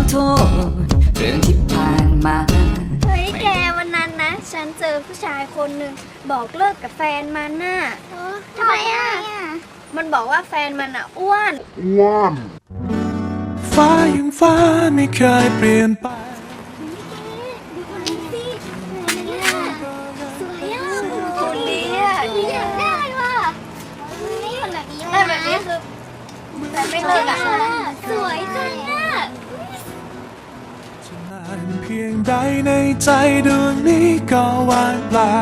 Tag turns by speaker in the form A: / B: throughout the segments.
A: โทษเรื่องที่ผ่านมา
B: เฮ้ยแกวันนั้นนะฉันเจอผู้ชายคนหนึ่งบอกเลิกกับแฟนมันน่ะทำไมอ่ะมันบอกว่าแฟนมันอ่ะอ้วน
C: ฟ้ายังฟ้าไม่เคยเปลี่ยนไป
B: ดูคนนี้สิสวยอ่ะคนนี้อ่ะอยากได้ว่ะคนแบบนี้ได้แบบนี้คือแต่ไม่เลิกอ่ะสวยจังอ่ะ
C: จะนานเพียงใดในใจดวงนี้ก็ว่างเปล่า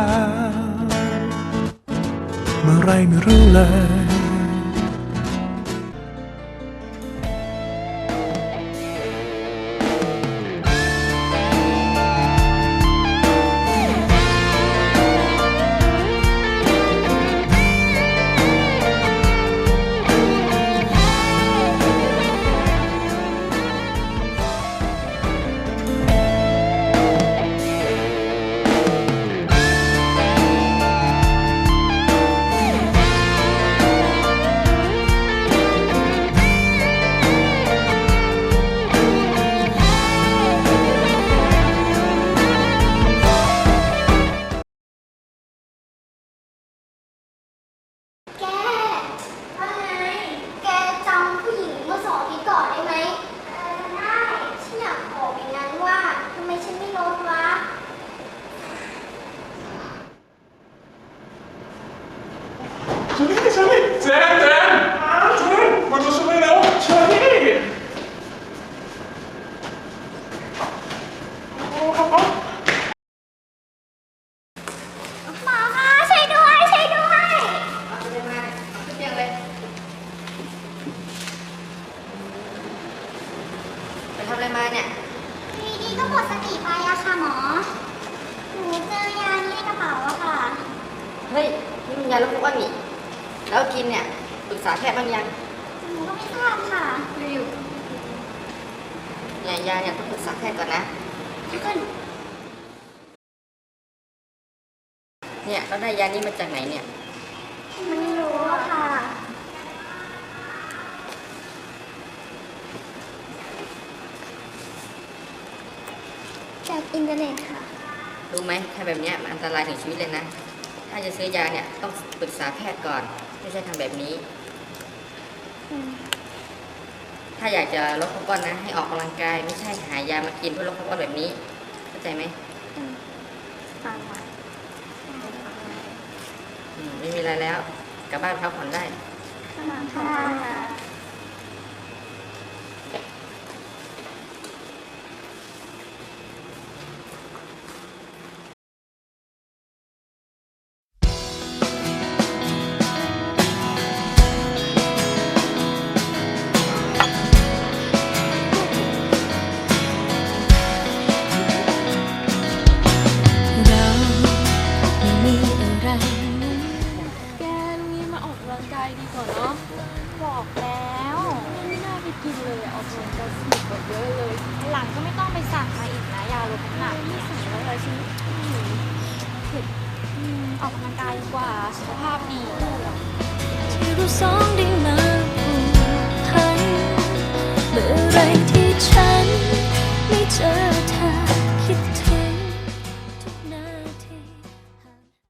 C: เมื่อไรไม่รู้เลย
D: ทำอะไรมาเนี่ย
B: ดีๆก็หมดสติไปอะค่ะหมอหนูเจอยานี้ในกระเป๋าอะค่ะ
D: เฮ้ยนี่มันยาลดความอ้วนนี่แล้วกินเนี่ยปรึกษาแพทย์บ้างยัง
B: หนูก็ไม่ทราบค่ะ
D: อยู่เนี่ยยาเนี่ยต้องปรึกษาแพทย์ก่อนนะเนี่ยเราได้ยานี้มาจากไหนเนี่ย
B: ไม่รู้อะค่ะจากอินเทอร์เน็ตค่ะ
D: รู้ไหมถ้าแบบนี้มันอันตรายถึงชีวิตเลยนะถ้าจะซื้อยาเนี่ยต้องปรึกษาแพทย์ก่อนไม่ใช่ทำแบบนี้ถ้าอยากจะลดความอ้วนนะให้ออกกำลังกายไม่ใช่หายามากินเพื่อลดความอ้วนแบบนี้เข้าใจไหม
B: ฟังค่ะ
D: ไม่มีอะไรแล้วกลับบ้านพักผ่อนได้
B: ค่ะ
E: แกลุงนี้มาออกกำลังกายดีกว่าเนาะบอกแล้วไม่น่าไปกินเลยออกกำลังกายสนุกกว่าเยอะเลยหลังก็ไม่ต้องไปสั่งมาอีกนะยาลดน้ำหนักเนี่ยสั่งแล้วเลยฉันออกกำลังกายดีกว่าสุขภาพดีที่เราสอง